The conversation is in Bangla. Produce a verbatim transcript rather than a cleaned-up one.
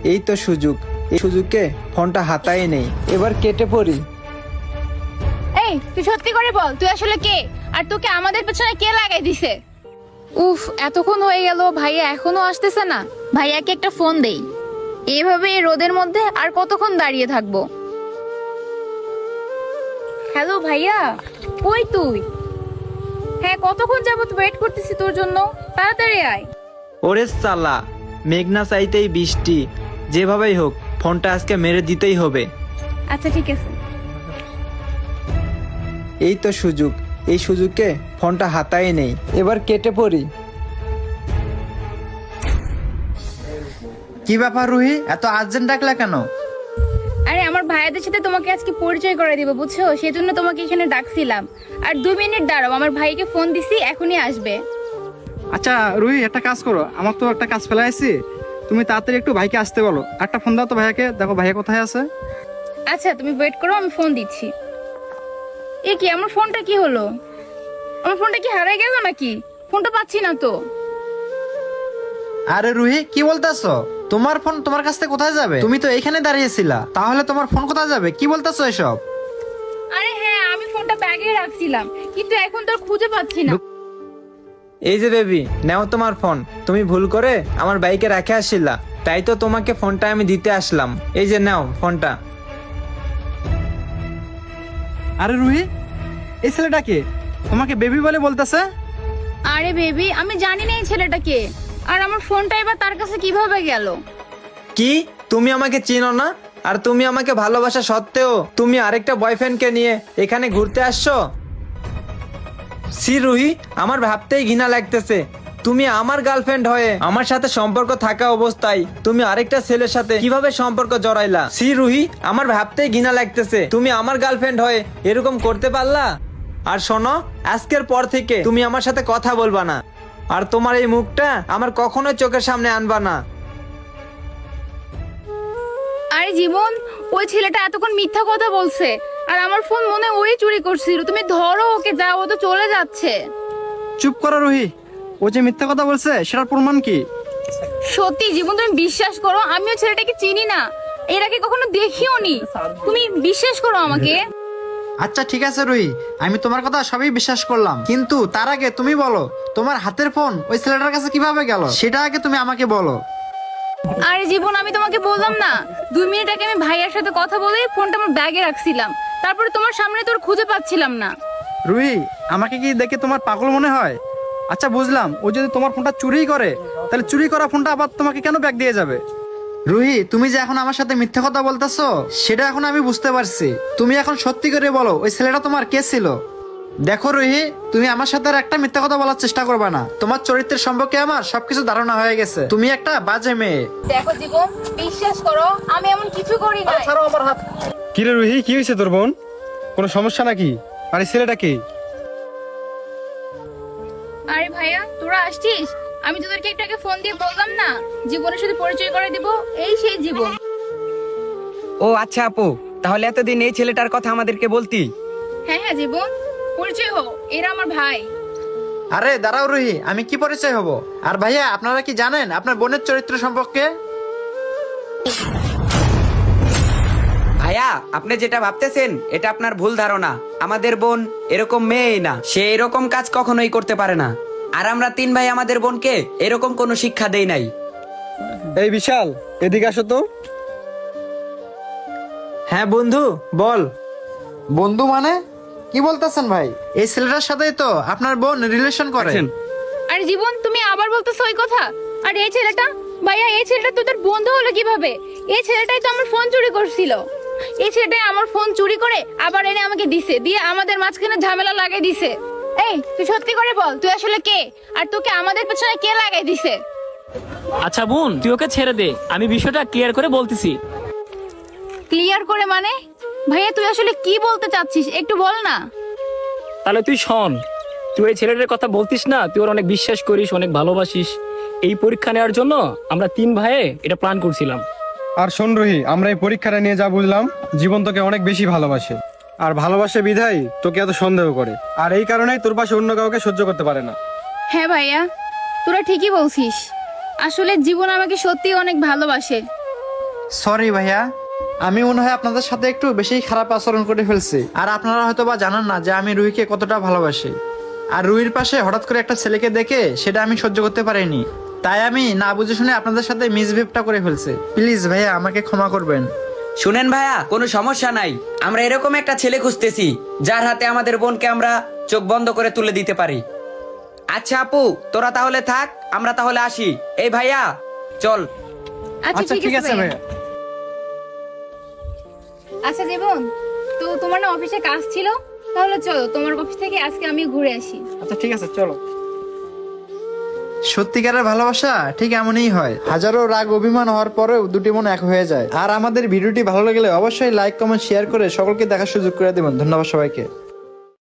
এই তো সুযোগ, এই সুযোগে ফোনটা হাতায় নেই, এবার কেটে পড়ি। এই তুই সত্যি করে বল, তুই আসলে কে, আর তোকে আমাদের পেছনে কে লাগাই দিছে? উফ, এতক্ষণ হয়ে গেল, ভাইয়া এখনো আসতেছে না। ভাইয়াকে একটা ফোন দেই। এভাবে এই রোদের মধ্যে আর কতক্ষণ দাঁড়িয়ে থাকবো? হ্যালো ভাইয়া, কই তুই? হ্যাঁ, কতক্ষণ যাবত ওয়েট করতেছি তোর জন্য, তাড়াতাড়ি আয়। ওরে সালা, মেঘনা চাইতেই বৃষ্টি, যেভাবেই হোক ফোনটা আজকে মেরে দিতেই হবে। আচ্ছা ঠিক আছে। এই তো সুযোগ, এই সুযোগে ফোনটা হাতায় নেই, এবার কেটে পড়ি। কি ব্যাপার রুহি, এত আর্জেন্ট ডাকলা কেন? আরে আমার ভাইয়াদের সাথে তোমাকে আজকে পরিচয় করে দিব, বুঝছো, সেজন্য তোমাকে এখানে ডাকছিলাম। আর দুই মিনিট দাঁড়াও, আমার ভাইকে ফোন দিছি, এখনই আসবে। আচ্ছা রুহি, একটা কাজ করো, আমার তো একটা কাজ ফেলে আসছি, তুমি তাড়াতাড়ি একটু ভাইকে আসতে বলো। একটা ফোন দাও তো ভাইয়াকে, দেখো ভাইয়া কোথায় আছে। আচ্ছা তুমি ওয়েট করো, আমি ফোন দিচ্ছি। এ কি, আমার ফোনটা কি হলো? আমার ফোনটা কি হারাই গেল নাকি? ফোনটা পাচ্ছি না তো। আরে রুহি, কি বলতেছো? তোমার ফোন তোমার কাছ থেকে কোথায় যাবে? তুমি তো এখানে দাঁড়িয়েছিলা, তাহলে তোমার ফোন কোথায় যাবে? কি বলতেছো এসব? আরে হ্যাঁ, আমি ফোনটা ব্যাগে রাখছিলাম, কিন্তু এখন তো আর খুঁজে পাচ্ছি না। এই যে বেবি, নাও তোমার ফোন। তুমি ভুল করে আমার বাইকে রেখে আসছিলা, তাই তো তোমাকে ফোনটা আমি দিতে আসলাম। এই যে নাও ফোনটা। আরে রুহি, এই ছেলেটাকে তোমাকে বেবি বলে বলতেছে? আরে বেবি, আমি জানি না এই ছেলেটাকে, আর আমার ফোনটা এবার তার কাছে কিভাবে গেল? কি, তুমি আমাকে চিনো না? আর তুমি আমাকে ভালোবাসা সত্ত্বেও তুমি আরেকটা বয়ফ্রেন্ডকে নিয়ে এখানে ঘুরতে আসছো? সি রুহি, আমার ভাবতেই ঘৃণা লাগতেছে। তুমি আমার গার্লফ্রেন্ড হয়ে আমার সাথে সম্পর্ক থাকা অবস্থায় তুমি আরেকটা ছেলের সাথে কিভাবে সম্পর্ক জড়াইলা? সি রুহি, আমার ভাবতেই ঘৃণা লাগতেছে। তুমি আমার গার্লফ্রেন্ড হয়ে এরকম করতে পারলা? আর শোনো, আজকের পর থেকে তুমি আমার সাথে কথা বলবা না, আর তোমার এই মুখটা আমার কখনোই চোখের সামনে আনবা না। আরে জীবন, ওই ছেলেটা এতক্ষণ মিথ্যা কথা বলছে, আর আমার ফোন মনে হয় ওই চুরি করছিল। তুমি ধরো ওকে, যাও, ও তো চলে যাচ্ছে। চুপ করো রুহি, ও যে মিথ্যা কথা বলছে সেটার প্রমাণ কি? সত্যি জীবন, তুমি বিশ্বাস করো, আমিও ছেলেটাকে চিনি না, এর আগে কখনো দেখিও নি। তুমি বিশ্বাস করো আমাকে। আচ্ছা ঠিক আছে রুহি, আমি তোমার কথা সবই বিশ্বাস করলাম, কিন্তু তার আগে তুমি বলো, তোমার হাতের ফোন ওই ছেলেটার কাছে কিভাবে গেল সেটা আগে তুমি আমাকে বলো। আরে জীবন, আমি তোমাকে বললাম না, দুই মিনিট আগে আমি ভাইয়ার সাথে কথা বলে ফোনটা আমার ব্যাগে রাখছিলাম, তারপরে তোমার সামনে তোর খুঁজে পাচ্ছিলাম না। রুহি, আমাকে কি দেখে তোমার পাগল মনে হয়? আচ্ছা বুঝলাম, ও যদি তোমার ফোনটা চুরি করে, তাহলে চুরি করা ফোনটা আবার তোমাকে কেন ব্যাগ দিয়ে যাবে? রুহি, তুমি যে এখন আমার সাথে মিথ্যা কথা বলতেছো সেটা এখন আমি বুঝতে পারছি। তুমি এখন সত্যি করে বলো, ওই ছেলেটা তোমার কে ছিল? দেখো রুহি, তুমি আমার সাথে আর একটা মিথ্যা কথা বলার চেষ্টা করবে না। তোমার চরিত্রের সম্পর্কে আমার সবকিছু ধারণা হয়ে গেছে। তুমি একটা বাজে মেয়ে। দেখো জীবন, বিশ্বাস করো, আমি এমন কিছু করি না। কি রে রুহি, কি হয়েছে তোর বোন? কোনো সমস্যা নাকি? আর এই ছেলেটা কি? আরে ভাইয়া, তোরা আসছিস? আমি তোদেরকে একটু আগে ফোন দিয়ে বললাম না, জীবনের সাথে পরিচয় করে দিব, এই সেই জীবন। ও আচ্ছা আপু, তাহলে এতদিন এই ছেলেটার কথা আমাদেরকে বলতি? হ্যাঁ হ্যাঁ জীবন, পরিচয় হো, এরা আমার ভাই। আরে দাঁড়াও রুহি, আমি কি পরিচয় হব? আর ভাইয়া, আপনারা কি জানেন আপনার বোনের চরিত্র সম্পর্কে? ভাইয়া, আপনি যেটা ভাবতেছেন এটা আপনার ভুল ধারণা। আমাদের বোন এরকম মেয়েই না, সে এরকম কাজ কখনোই করতে পারে না। আর আমরা তিন ভাই আমাদের বোনকে এরকম কোনো শিক্ষা দেই নাই। এই বিশাল, এদিকে আসো তো। হ্যাঁ বন্ধু, বল। বন্ধু মানে কি বলতেছেন ভাই? এই ছেলেটার সাথেই তো আপনার বোন রিলেশন করে। আরে জীবন, তুমি আবার বলতেছো ওই কথা? আর এই ছেলেটা, ভাইয়া এই ছেলেটা তোদের বন্ধু হলো কিভাবে? এই ছেলেটাই তো আমার ফোন চুরি করছিল। এই ছেলেটাই আমার ফোন চুরি করে আবার এনে আমাকে দিছে, দিয়ে আমাদের মাঝখানে ঝামেলা লাগাই দিছে। এই তুই সত্যি করে বল, তুই আসলে কে, আর তোকে আমাদের পেছনে কে লাগাই দিছে? আচ্ছা বোন, তুই ওকে ছেড়ে দে, আমি বিষয়টা ক্লিয়ার করে বলতেছি। ক্লিয়ার করে মানে? ভাইয়া তুই আসলে কি বলতে চাচ্ছিস, একটু বল না। তাহলে তুই শোন, তুই এই ছেলেটার কথা বলতিস না, তুই ওর অনেক বিশ্বাস করিস, অনেক ভালোবাসিস। এই পরীক্ষা নেওয়ার জন্য আমরা তিন ভাইয়ে এটা প্ল্যান করছিলাম। আর শোন রুহি, আমরা এই পরীক্ষাটা নিয়ে যা বুঝলাম, জীবন তোকে অনেক বেশি ভালোবাসে, আর ভালোবাসে বিধায় তোকে এত সন্দেহ করে, আর এই কারণেই তোর পাশে অন্য কাউকে সহ্য করতে পারে না। হ্যাঁ ভাইয়া, তোরা ঠিকই বলছিস, আসলে জীবন আমাকে সত্যি অনেক ভালোবাসে। সরি ভাইয়া, আমি মনে হয় আপনাদের সাথে একটু বেশি খারাপ আচরণ করে ফেলছি। আর আপনারা হয়তো বা জানেন না যে আমি রুহিকে কতটা ভালোবাসি। আর রুহির পাশে হঠাৎ করে একটা ছেলেকে দেখে সেটা আমি সহ্য করতে পারিনি, তাই আমি না বুঝে শুনে আপনাদের সাথে মিসবিহেভটা করে ফেলছি। প্লিজ ভাইয়া আমাকে ক্ষমা করবেন। শুনেন ভাইয়া, কোনো সমস্যা নাই। আমরা এরকম একটা ছেলে খুঁজতেছি যার হাতে আমাদের বোনকে আমরা চোখ বন্ধ করে তুলে দিতে পারি। আচ্ছা আপু, তোরা তাহলে থাক, আমরা তাহলে আসি। এই ভাইয়া চল। আচ্ছা ঠিক আছে ভাইয়া। আচ্ছা জীবন, তো তোমার না অফিসে কাজ ছিল, তাহলে চলো তোমার অফিস থেকে আজকে আমি ঘুরে আসি। আচ্ছা ঠিক আছে, চলো। সত্যিকারের ভালোবাসা ঠিক এমনই হয়, হাজারো রাগ অভিমান হওয়ার পরেও দুটি মন এক হয়ে যায়। আর আমাদের ভিডিওটি ভালো লাগলে অবশ্যই লাইক কমেন্ট শেয়ার করে সকলকে দেখার সুযোগ করে দেবেন। ধন্যবাদ সবাইকে।